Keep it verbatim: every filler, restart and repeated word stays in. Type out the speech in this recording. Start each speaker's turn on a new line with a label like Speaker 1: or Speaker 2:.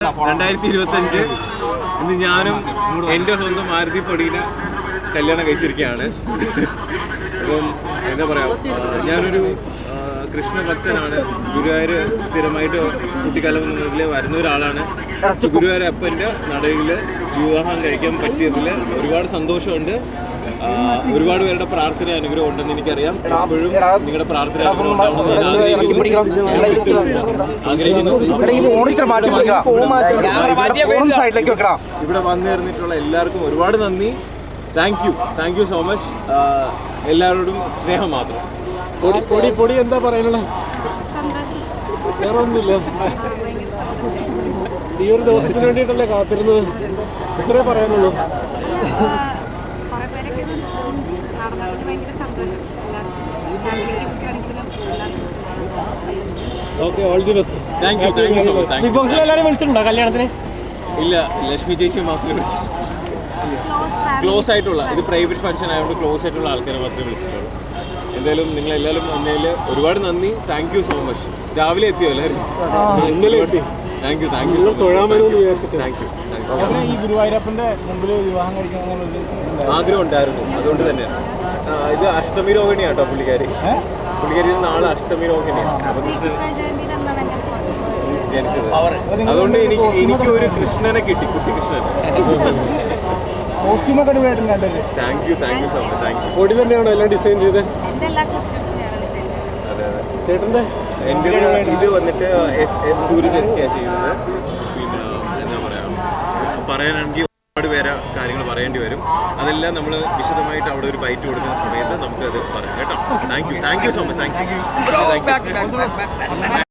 Speaker 1: രണ്ടായിരത്തി ഇരുപത്തി അഞ്ച് ഇന്ന് ഞാനും എൻ്റെ സ്വന്തം മാരുതി പൊടിയിനെ കല്യാണം കഴിച്ചിരിക്കുകയാണ്. അപ്പം എന്താ പറയുക, ഞാനൊരു കൃഷ്ണഭക്തനാണ്. ഗുരുവായൂർ സ്ഥിരമായിട്ട് കുട്ടിക്കാലം മുതലേ വരുന്ന ഒരാളാണ്. ഗുരുവായൂർ അപ്പൻ്റെ നടയിൽ വിവാഹം കഴിക്കാൻ പറ്റിയതിൽ ഒരുപാട് സന്തോഷമുണ്ട്. ഒരുപാട് പേരുടെ പ്രാർത്ഥന അനുഗ്രഹം ഉണ്ടെന്ന് എനിക്കറിയാം. എപ്പോഴും നിങ്ങളുടെ പ്രാർത്ഥന അനുഗ്രഹം ആഗ്രഹിക്കുന്നു. ഇവിടെ വന്നു ചേർന്നിട്ടുള്ള എല്ലാവർക്കും ഒരുപാട് നന്ദി. Thank you thank you so much. എല്ലാവരോടും സ്നേഹം മാത്രം.
Speaker 2: പൊടി പൊടി പൊടി എന്താ പറയാനുള്ളത്? വേറെ ഒന്നുമില്ല. ഈ ഒരു ദിവസത്തിന് വേണ്ടിയിട്ടല്ലേ കാത്തിരുന്നത്? ഇത്രേ പറയാനുള്ളൂ. Okay, all the best.
Speaker 1: Thank you thank you so much.
Speaker 2: Big ബോക്സിൽ എല്ലാവരും വിളിച്ചിട്ടുണ്ടോ കല്യാണത്തിന്?
Speaker 1: ഇല്ല, ലക്ഷ്മി ചേച്ചി മാത്രമേ വിളിച്ചിട്ടുള്ളൂ. ക്ലോസ് ആയിട്ടുള്ള, ഇത് പ്രൈവറ്റ് ഫംഗ്ഷൻ ആയതുകൊണ്ട് ക്ലോസ് ആയിട്ടുള്ള ആൾക്കാരെ മാത്രമേ വിളിച്ചിട്ടുള്ളൂ. എന്തായാലും നിങ്ങൾ എല്ലാവരും വന്നതിൽ ഒരുപാട് നന്ദി. Thank you so much. രാവിലെ എത്തിയോ എല്ലാവരും?
Speaker 2: ഇന്നലെ എത്തി.
Speaker 1: Thank you thank you so much. Thank you.
Speaker 2: ഈ ഗുരുവായൂരപ്പന്റെ മുമ്പിൽ വിവാഹം കഴിക്കണം
Speaker 1: ആഗ്രഹം ഉണ്ടായിരുന്നു, അതുകൊണ്ട് തന്നെ. ഇത് അഷ്ടമി രോഹിണിയാണ് കേട്ടോ പുള്ളിക്കാരി. പുള്ളിക്കാരി നാളെ അഷ്ടമി രോഹിണിയാണ് ജനിച്ചത്. അതുകൊണ്ട് എനിക്ക് എനിക്ക് ഒരു കൃഷ്ണനെ കിട്ടി, കുട്ടി Krishnan. Thank you thank you so much. Thank you.
Speaker 2: പൊടി തന്നെയാണോ എല്ലാം ഡിസൈൻ ചെയ്ത്?
Speaker 1: അതെ അതെ.
Speaker 2: ചേട്ടൻ്റെ
Speaker 1: എൻ്റെ ഇത് വന്നിട്ട് സൂരജ് എസ് കെ ചെയ്യുന്നത്. പിന്നെ എന്താ പറയുക, പറയാനാണെങ്കിൽ ഒരുപാട് പേരെ കാര്യങ്ങൾ പറയേണ്ടി വരും. അതെല്ലാം നമ്മൾ വിശദമായിട്ട് അവിടെ ഒരു ബൈറ്റ് കൊടുക്കുന്ന സമയത്ത് നമുക്കത് പറയാം കേട്ടോ. Thank you thank you so much. Thank U.